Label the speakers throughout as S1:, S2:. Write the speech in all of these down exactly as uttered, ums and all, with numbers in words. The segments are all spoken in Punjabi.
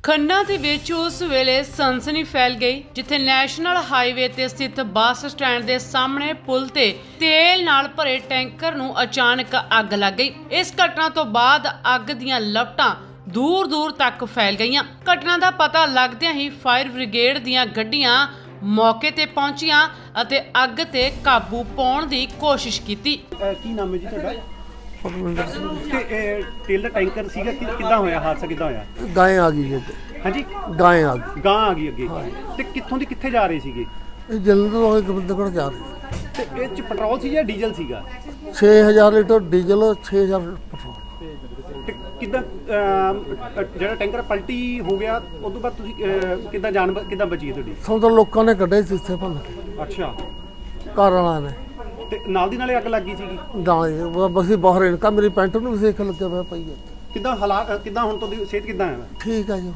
S1: ਖੰਨਾ ਦੇ ਵਿੱਚ ਉਸ ਵੇਲੇ ਸਨਸਨੀ ਫੈਲ ਗਈ ਜਿੱਥੇ ਨੈਸ਼ਨਲ ਹਾਈਵੇ ਤੇ ਸਥਿਤ ਬੱਸ ਸਟੈਂਡ ਦੇ ਸਾਹਮਣੇ ਪੁਲ ਤੇ ਤੇਲ ਨਾਲ ਭਰੇ ਟੈਂਕਰ ਨੂੰ ਅਚਾਨਕ ਅੱਗ ਲੱਗ ਗਈ। ਇਸ ਘਟਨਾ ਤੋਂ ਬਾਅਦ ਅੱਗ ਦੀਆਂ ਲਪਟਾਂ ਦੂਰ ਦੂਰ ਤੱਕ ਫੈਲ ਗਈਆਂ। ਘਟਨਾ ਦਾ ਪਤਾ ਲੱਗਦਿਆਂ ਹੀ ਫਾਇਰ ਬ੍ਰਿਗੇਡ ਦੀਆਂ ਗੱਡੀਆਂ ਮੌਕੇ ਤੇ ਪਹੁੰਚੀਆਂ ਅਤੇ ਅੱਗ ਤੇ ਕਾਬੂ ਪਾਉਣ ਦੀ ਕੋਸ਼ਿਸ਼ ਕੀਤੀ।
S2: ਕੀ ਨਾਮ ਹੈ ਜੀ ਤੁਹਾਡਾ? ਤੇ ਇਹ ਤੇਲ ਦਾ ਟੈਂਕਰ ਸੀਗਾ ਕਿ ਕਿੱਦਾਂ ਹੋਇਆ ਹਾਦਸਾ? ਕਿੱਦਾਂ ਹੋਇਆ?
S3: ਗਾਂ ਆ ਗਈ ਜੀ।
S2: ਹਾਂਜੀ,
S3: ਗਾਂ ਆ ਗਈ।
S2: ਗਾਂ ਆ ਗਈ ਅੱਗੇ। ਤੇ ਕਿੱਥੋਂ ਦੀ ਕਿੱਥੇ ਜਾ ਰਹੇ ਸੀਗੇ?
S3: ਇਹ ਜਲੰਧਰ ਤੋਂ ਗੋਬਿੰਦਗੜ੍ਹ ਜਾ ਰਹੇ।
S2: ਤੇ ਇਹ ਚ ਪੈਟਰੋਲ ਸੀ ਜਾਂ ਡੀਜ਼ਲ ਸੀਗਾ?
S3: ਛੇ ਹਜ਼ਾਰ ਲੀਟਰ ਡੀਜ਼ਲ, ਛੇ ਹਜ਼ਾਰ ਪੈਟਰੋਲ।
S2: ਤੇ ਕਿੱਦਾਂ ਅਹ, ਜਿਹੜਾ ਟੈਂਕਰ ਪਲਟੀ ਹੋ ਗਿਆ ਉਸ ਤੋਂ ਬਾਅਦ ਤੁਸੀਂ ਅਹ, ਕਿੱਦਾਂ ਜਾਨ ਬ- ਕਿੱਦਾਂ ਬਚੀ ਹੈ ਤੁਹਾਡੀ?
S3: ਸਾਨੂੰ ਤਾਂ ਲੋਕਾਂ ਨੇ ਕੱਢੇ ਸੀ ਇੱਥੇ ਭੰਨ ਕੇ,
S2: ਅੱਛਾ।
S3: ਘਰ ਵਾਲਿਆਂ ਨੇ।
S2: ਤੇ ਨਾਲ ਦੀ ਨਾਲੇ ਅੱਗ ਲੱਗੀ ਸੀਗੀ?
S3: ਗਾਂ ਬਸੀ ਬਾਹਰ ਇਨਕਾ ਮੇਰੀ ਪੈਂਟ ਨੂੰ ਵੀ ਸੇਕ ਲੱਗਿਆ ਹੋਇਆ ਪਈ ਹੈ।
S2: ਕਿੱਦਾਂ ਹਾਲਾਤ ਕਿੱਦਾਂ ਹੁਣ ਤੁਹਾਡੀ ਸਿਹਤ ਕਿੱਦਾਂ ਹੈ?
S3: ਠੀਕ ਹੈ ਜੀ।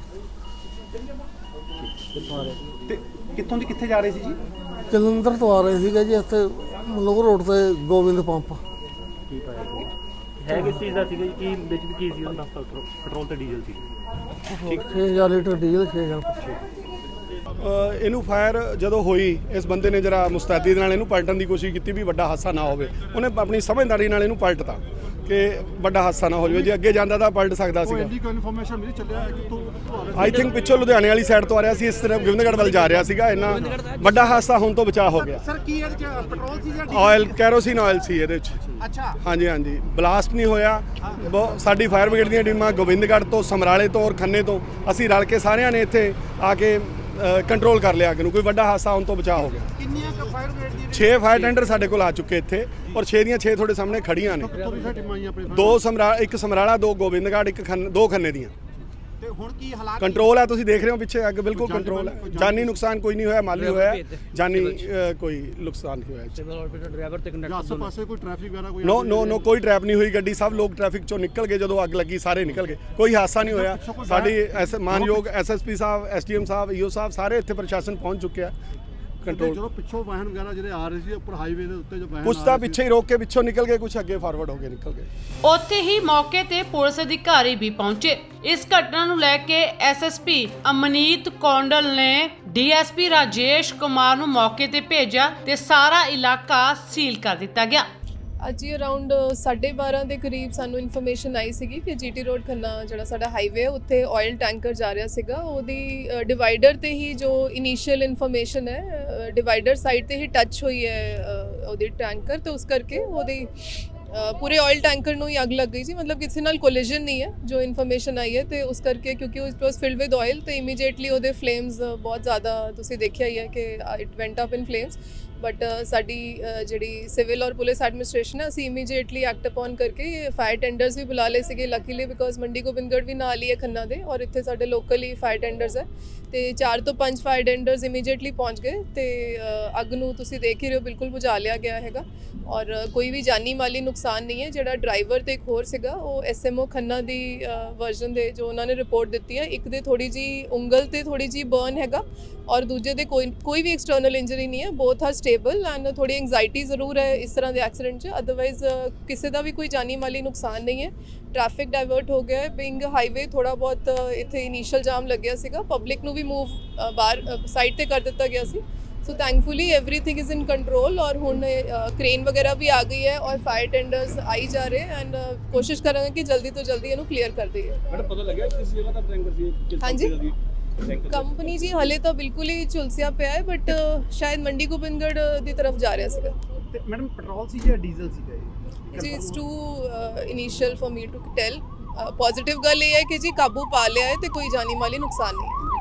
S2: ਤੇ ਕਿੱਥੋਂ ਦੀ ਕਿੱਥੇ ਜਾ ਰਹੇ ਸੀ ਜੀ?
S3: ਜਲੰਧਰ ਤੋਂ ਆ ਰਹੇ ਸੀਗੇ ਜੀ ਇੱਥੇ ਮਲੋਹ ਰੋਡ ਤੇ ਗੋਬਿੰਦ ਪੰਪ।
S2: ਹੈ ਕਿਸ ਚੀਜ਼ ਦਾ ਸੀਗਾ ਜੀ? ਕੀ ਵਿੱਚ ਵੀ ਕੀ ਸੀ ਉਹਨਾਂ ਦਾ? ਪੈਟਰੋਲ ਤੇ ਡੀਜ਼ਲ ਸੀ।
S3: ਛੇ ਹਜ਼ਾਰ ਲੀਟਰ ਡੀਜ਼ਲ, ਛੇ ਹਜ਼ਾਰ ਪੈਟਰੋਲ।
S4: ਇਹਨੂੰ ਫਾਇਰ ਜਦੋਂ ਹੋਈ, ਇਸ ਬੰਦੇ ਨੇ ਜਰਾ ਮੁਸਤੈਦੀ ਦੇ ਨਾਲ ਇਹਨੂੰ ਪਲਟਣ ਦੀ ਕੋਸ਼ਿਸ਼ ਕੀਤੀ ਵੀ ਵੱਡਾ ਹਾਦਸਾ ਨਾ ਹੋਵੇ। ਉਹਨੇ ਆਪਣੀ ਸਮਝਦਾਰੀ ਨਾਲ ਇਹਨੂੰ ਪਲਟਤਾ ਕਿ ਵੱਡਾ ਹਾਦਸਾ ਨਾ ਹੋ ਜਾਵੇ। ਜੇ ਅੱਗੇ ਜਾਂਦਾ ਤਾਂ ਪਲਟ ਸਕਦਾ ਸੀਗਾ।
S2: ਇੰਨੀ ਕੋਈ ਇਨਫੋਰਮੇਸ਼ਨ ਮਿਲੀ ਚੱਲਿਆ ਕਿਤੋਂ?
S4: ਆਈ ਥਿੰਕ ਪਿੱਛੋਂ ਲੁਧਿਆਣੇ ਵਾਲੀ ਸਾਈਡ ਤੋਂ ਆ ਰਿਹਾ ਸੀ, ਇਸ ਤਰ੍ਹਾਂ ਗੋਬਿੰਦਗੜ੍ਹ ਵੱਲ ਜਾ ਰਿਹਾ ਸੀਗਾ। ਇੰਨਾ ਵੱਡਾ ਹਾਦਸਾ ਹੋਣ ਤੋਂ ਬਚਾਅ ਹੋ ਗਿਆ।
S2: ਸਰ ਕੀ ਇਹਦੇ ਚ ਪੈਟਰੋਲ ਸੀ ਜਾਂ
S4: ਆਇਲ, ਕੈਰੋਸਿਨ ਆਇਲ ਸੀ ਇਹਦੇ ਵਿੱਚ।
S2: ਅੱਛਾ।
S4: ਹਾਂਜੀ ਹਾਂਜੀ, ਬਲਾਸਟ ਨਹੀਂ ਹੋਇਆ। ਬਹੁਤ ਸਾਡੀ ਫਾਇਰ ਬ੍ਰਿਗੇਡ ਦੀਆਂ ਟੀਮਾਂ ਗੋਬਿੰਦਗੜ੍ਹ ਤੋਂ, ਸਮਰਾਲੇ ਤੋਂ ਔਰ ਖੰਨੇ ਤੋਂ ਅਸੀਂ ਰਲ ਕੇ ਸਾਰਿਆਂ ਨੇ ਇੱਥੇ ਆ ਕੇ ਕੰਟਰੋਲ ਕਰ ਲਿਆ ਅੱਗ ਨੂੰ। ਕੋਈ ਵੱਡਾ ਹਾਦਸਾ ਹੋਣ ਤੋਂ ਬਚਾਅ ਹੋ ਗਿਆ।
S2: ਕਿੰਨੀਆਂ ਕ ਫਾਇਰ ਬ੍ਰਿਗੇਡ ਦੀਆਂ
S4: ਛੇ ਫਾਇਰ ਟੈਂਡਰ ਸਾਡੇ ਕੋਲ ਆ ਚੁੱਕੇ ਇੱਥੇ, ਔਰ ਛੇ ਦੀਆਂ ਛੇ ਤੁਹਾਡੇ ਸਾਹਮਣੇ ਖੜੀਆਂ ਨੇ। ਦੋ ਸਮਰਾ ਇੱਕ ਸਮਰਾਲਾ, ਦੋ ਗੋਬਿੰਦਗੜ੍ਹ, ਇੱਕ ਖੰਨ ਦੋ ਖੰਨੇ ਦੀਆਂ।
S2: ਤੇ ਹੁਣ ਕੀ ਹਾਲਾਤ
S4: ਕੰਟਰੋਲ ਹੈ, ਤੁਸੀਂ ਦੇਖ ਰਹੇ ਹੋ ਪਿੱਛੇ ਅੱਗ ਬਿਲਕੁਲ ਕੰਟਰੋਲ ਹੈ। ਜਾਨੀ ਨੁਕਸਾਨ ਕੋਈ ਨਹੀਂ ਹੋਇਆ, ਮਾਲੀ ਹੋਇਆ, ਜਾਨੀ ਅ, ਕੋਈ ਨੁਕਸਾਨ ਨਹੀਂ ਹੋਇਆ।
S2: ਆਸੇ ਪਾਸੇ ਕੋਈ ਟ੍ਰੈਫਿਕ ਵਗੈਰਾ ਕੋਈ?
S4: ਨੋ ਨੋ ਨੋ ਕੋਈ ਟ੍ਰੈਪ ਨਹੀਂ ਹੋਈ ਗੱਡੀ। ਸਭ ਲੋਕ ਟ੍ਰੈਫਿਕ ਚੋਂ ਨਿਕਲ ਗਏ ਜਦੋਂ ਅੱਗ ਲੱਗੀ, ਸਾਰੇ ਨਿਕਲ ਗਏ, ਕੋਈ ਹਾਦਸਾ ਨਹੀਂ ਹੋਇਆ। ਸਾਡੀ ਐਸ ਮਾਨਯੋਗ ਐਸਐਸਪੀ ਸਾਹਿਬ, ਐਸਡੀਐਮ ਸਾਹਿਬ, ਈਓ ਸਾਹਿਬ ਸਾਰੇ ਇੱਥੇ ਪ੍ਰਸ਼ਾਸਨ ਪਹੁੰਚ ਚੁੱਕਿਆ। ਕੰਟਰੋਲ
S2: ਜਦੋਂ ਪਿੱਛੋਂ ਵਾਹਨ ਵਗੈਰਾ ਜਿਹੜੇ ਆ ਰਹੇ ਸੀ ਉੱਪਰ ਹਾਈਵੇ ਦੇ ਉੱਤੇ, ਜੋ ਵਾਹਨ
S4: ਕੁਛ ਤਾਂ ਪਿੱਛੇ ਹੀ ਰੋਕ ਕੇ ਪਿੱਛੋਂ ਨਿਕਲ ਗਏ, ਕੁਛ ਅੱਗੇ ਫਾਰਵਰਡ ਹੋ ਕੇ ਨਿਕਲ ਗਏ।
S1: ਉੱਥੇ ਹੀ ਮੌਕੇ ਤੇ ਪੁਲਿਸ ਅਧਿਕਾਰੀ ਵੀ ਪਹੁੰਚੇ। ਇਸ ਘਟਨਾ ਨੂੰ ਲੈ ਕੇ ਐਸਐਸਪੀ ਅਮਨੀਤ ਕੌਂਡਲ ਨੇ ਡੀਐਸਪੀ ਰਾਜੇਸ਼ ਕੁਮਾਰ ਨੂੰ ਮੌਕੇ ਤੇ ਭੇਜਿਆ ਤੇ ਸਾਰਾ ਇਲਾਕਾ ਸੀਲ ਕਰ ਦਿੱਤਾ ਗਿਆ।
S5: ਅੱਜ ਹੀ ਅਰਾਊਂਡ ਸਾਢੇ ਬਾਰਾਂ ਦੇ ਕਰੀਬ ਸਾਨੂੰ ਇਨਫੋਰਮੇਸ਼ਨ ਆਈ ਸੀਗੀ ਕਿ ਜੀਟੀ ਰੋਡ ਖੰਨਾ ਜਿਹੜਾ ਸਾਡਾ ਹਾਈਵੇ ਉੱਥੇ ਆਇਲ ਟੈਂਕਰ ਜਾ ਰਿਹਾ ਸੀਗਾ। ਉਹਦੀ ਡਿਵਾਈਡਰ ਤੇ ਹੀ ਜੋ ਇਨੀਸ਼ੀਅਲ ਇਨਫੋਰਮੇਸ਼ਨ ਹੈ, ਡਿਵਾਈਡਰ ਸਾਈਡ ਤੇ ਹੀ ਟੱਚ ਹੋਈ ਹੈ ਉਹਦੀ ਟੈਂਕਰ, ਤੇ ਉਸ ਕਰਕੇ ਉਹਦੀ ਪੂਰੇ ਆਇਲ ਟੈਂਕਰ ਨੂੰ ਹੀ ਅੱਗ ਲੱਗ ਗਈ ਸੀ। ਮਤਲਬ ਕਿਸੇ ਨਾਲ ਕੋਲੀਜਨ ਨਹੀਂ ਹੈ ਜੋ ਇਨਫੋਰਮੇਸ਼ਨ ਆਈ ਹੈ। ਤੇ ਉਸ ਕਰਕੇ ਕਿਉਂਕਿ it was filled with oil ਤੇ ਇਮੀਡੀਏਟਲੀ ਉਹਦੇ ਫਲੇਮਸ ਬਹੁਤ ਜ਼ਿਆਦਾ ਤੁਸੀਂ ਦੇਖਿਆ ਹੀ ਹੈ ਕਿ it went up in flames. But ਸਾਡੀ ਜਿਹੜੀ ਸਿਵਲ ਔਰ ਪੁਲਿਸ ਐਡਮਿਨਿਸਟ੍ਰੇਸ਼ਨ ਹੈ, ਅਸੀਂ ਇਮੀਡੀਏਟਲੀ ਐਕਟ ਅਪਨ ਕਰਕੇ ਫਾਇਰ ਟੈਂਡਰਸ ਵੀ ਬੁਲਾ ਲਏ ਸੀਗੇ। ਲੱਕੀਲੀ ਬਿਕੋਜ਼ ਮੰਡੀ ਗੋਬਿੰਦਗੜ੍ਹ ਵੀ ਨਾਲ ਹੀ ਹੈ ਖੰਨਾ ਦੇ, ਔਰ ਇੱਥੇ ਸਾਡੇ ਲੋਕਲੀ ਫਾਇਰ ਟੈਂਡਰਸ ਹੈ ਤੇ ਚਾਰ ਤੋਂ ਪੰਜ ਫਾਇਰ ਟੈਂਡਰਸ ਇਮੀਡੀਏਟਲੀ ਪਹੁੰਚ ਗਏ ਤੇ ਅੱਗ ਨੂੰ ਤੁਸੀਂ ਦੇਖ ਹੀ ਰਹੇ ਹੋ ਬਿਲਕੁਲ ਬੁਝਾ ਲਿਆ ਗਿਆ ਹੈਗਾ। ਔਰ ਕੋਈ ਵੀ ਜਾਨੀ ਮਾਲੀ ਨੁਕਸਾਨ ਨਹੀਂ ਹੈ। ਜਿਹੜਾ ਡਰਾਈਵਰ ਤੇ ਇੱਕ ਹੋਰ ਸੀਗਾ, ਉਹ ਐਸਐਮਓ ਖੰਨਾ ਦੀ ਵਰਜ਼ਨ ਦੇ ਜੋ ਉਹਨਾਂ ਨੇ ਰਿਪੋਰਟ ਦਿੱਤੀ ਹੈ, ਇੱਕ ਦੇ ਥੋੜੀ ਜੀ ਉਂਗਲ ਤੇ ਥੋੜੀ ਜੀ ਬਰਨ ਹੈਗਾ ਔਰ ਦੂਜੇ ਦੇ ਕੋਈ ਕੋਈ ਵੀ ਐਕਸਟਰਨਲ ਇੰਜਰੀ ਨਹੀਂ ਹੈ। ਬੋਥ ਆਰ ਸਟੇਬਲ ਐਂਡ ਥੋੜੀ ਐਂਗਜ਼ਾਈਟੀ ਜ਼ਰੂਰ ਹੈ ਇਸ ਤਰ੍ਹਾਂ ਦੇ ਐਕਸੀਡੈਂਟ 'ਚ, ਅਦਰਵਾਈਜ਼ ਕਿਸੇ ਦਾ ਵੀ ਕੋਈ ਜਾਨੀ ਮਾਲੀ ਨੁਕਸਾਨ ਨਹੀਂ ਹੈ। ਟ੍ਰੈਫਿਕ ਡਾਇਵਰਟ ਹੋ ਗਿਆ ਹੈ। ਬਿੰਗ ਹਾਈਵੇ ਥੋੜਾ ਬਹੁਤ ਇੱਥੇ ਇਨੀਸ਼ੀਅਲ ਜਾਮ ਲੱਗਿਆ ਸੀਗਾ, ਪਬਲਿਕ ਨੂੰ ਵੀ ਮੂਵ ਬਾਹਰ ਸਾਈਡ ਤੇ ਕਰ ਦਿੱਤਾ ਗਿਆ ਸੀ। So thankfully everything is in control ਔਰ ਹੁਣ ਕ੍ਰੇਨ ਵਗੈरह ਵੀ ਆ ਗਈ ਹੈ ਔਰ ਫਾਇਰ ਟੈਂਡਰਸ ਆਈ ਜਾ ਰਹੇ ਐਂਡ ਕੋਸ਼ਿਸ਼ ਕਰਾਂਗੇ ਕਿ ਜਲਦੀ ਤੋਂ ਜਲਦੀ ਇਹਨੂੰ ਕਲੀਅਰ ਕਰ ਦਈਏ।
S2: ਮੈਡਮ ਪਤਾ ਲੱਗਿਆ ਕਿਸ ਜਗ੍ਹਾ ਦਾ ਟੈਂਕਰ ਸੀ?
S5: ਹਾਂਜੀ, ਕੰਪਨੀ ਜੀ ਹਲੇ ਤਾਂ ਬਿਲਕੁਲ ਹੀ ਝੁਲਸਿਆ ਪਿਆ ਹੈ, ਬਟ ਸ਼ਾਇਦ ਮੰਡੀ ਗੋਬਿੰਦਗੜ੍ਹ ਦੀ ਤਰਫ ਜਾ ਰਿਹਾ ਸੀਗਾ।
S2: ਤੇ ਮੈਡਮ ਪੈਟਰੋਲ ਸੀ ਜਾਂ ਡੀਜ਼ਲ ਸੀਗਾ ਇਹ?
S5: ਜੀ it's too initial for me to tell. Positive ਗੱਲ ਇਹ ਹੈ ਕਿ ਜੀ ਕਾਬੂ ਪਾ ਲਿਆ ਹੈ ਤੇ ਕੋਈ ਜਾਨੀ ਮਾਲੀ ਨੁਕਸਾਨ ਨਹੀਂ ਹੈ।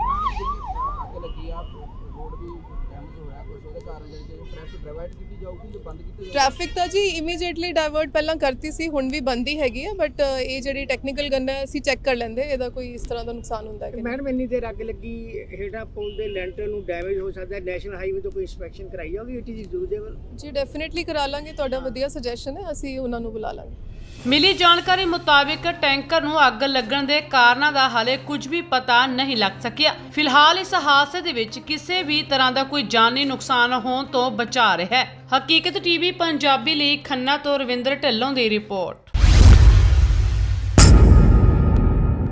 S5: ਟ੍ਰੈਫਿਕ ਤਾਂ ਜੀ ਇਮੀਡੀਏਟਲੀ ਡਾਇਵਰਟ ਪਹਿਲਾਂ ਕਰਤੀ ਸੀ, ਹੁਣ ਵੀ ਬੰਦ ਹੀ ਹੈਗੀ ਹੈ। ਬਟ ਇਹ ਜਿਹੜੀ ਟੈਕਨੀਕਲ ਗਨ ਹੈ ਅਸੀਂ ਚੈੱਕ ਕਰ ਲੈਂਦੇ ਇਹਦਾ ਕੋਈ ਇਸ ਤਰ੍ਹਾਂ ਦਾ ਨੁਕਸਾਨ ਹੁੰਦਾ ਹੈ ਕਿ
S6: ਮੈਡਮ ਇੰਨੀ ਦੇਰ ਅੱਗ ਲੱਗੀ, ਹੇਠਾਂ ਪੁਲ ਦੇ ਲੈਂਟਰ ਨੂੰ ਡੈਮੇਜ ਹੋ ਸਕਦਾ ਹੈ। ਨੈਸ਼ਨਲ ਹਾਈਵੇ ਤੋਂ ਕੋਈ ਇੰਸਪੈਕਸ਼ਨ ਕਰਾਈ ਜਾਊਗੀ? It is usable?
S5: ਜੀ ਡੈਫੀਨਿਟਲੀ ਕਰਾ ਲਾਂਗੇ, ਤੁਹਾਡਾ ਵਧੀਆ ਸੁਜੈਸ਼ਨ ਹੈ, ਅਸੀਂ ਉਹਨਾਂ ਨੂੰ ਬੁਲਾ ਲਾਂਗੇ।
S1: ਮਿਲੀ ਜਾਣਕਾਰੀ ਮੁਤਾਬਿਕ ਟੈਂਕਰ ਨੂੰ ਅੱਗ ਲੱਗਣ ਦੇ ਕਾਰਨਾਂ ਦਾ ਹਾਲੇ ਕੁਝ ਵੀ ਪਤਾ ਨਹੀਂ ਲੱਗ ਸਕਿਆ। ਫਿਲਹਾਲ ਇਸ ਹਾਦਸੇ ਦੇ ਵਿੱਚ ਕਿਸੇ ਵੀ ਤਰ੍ਹਾਂ ਦਾ ਕੋਈ ਜਾਨੀ ਨੁਕਸਾਨ ਹੋਣ ਤੋਂ ਬਚਾ ਰਿਹਾ ਹੈ। ਹਕੀਕਤ ਟੀਵੀ ਪੰਜਾਬੀ ਲਈ ਖੰਨਾ ਤੋਂ ਰਵਿੰਦਰ ਢਿੱਲੋਂ ਦੀ ਰਿਪੋਰਟ।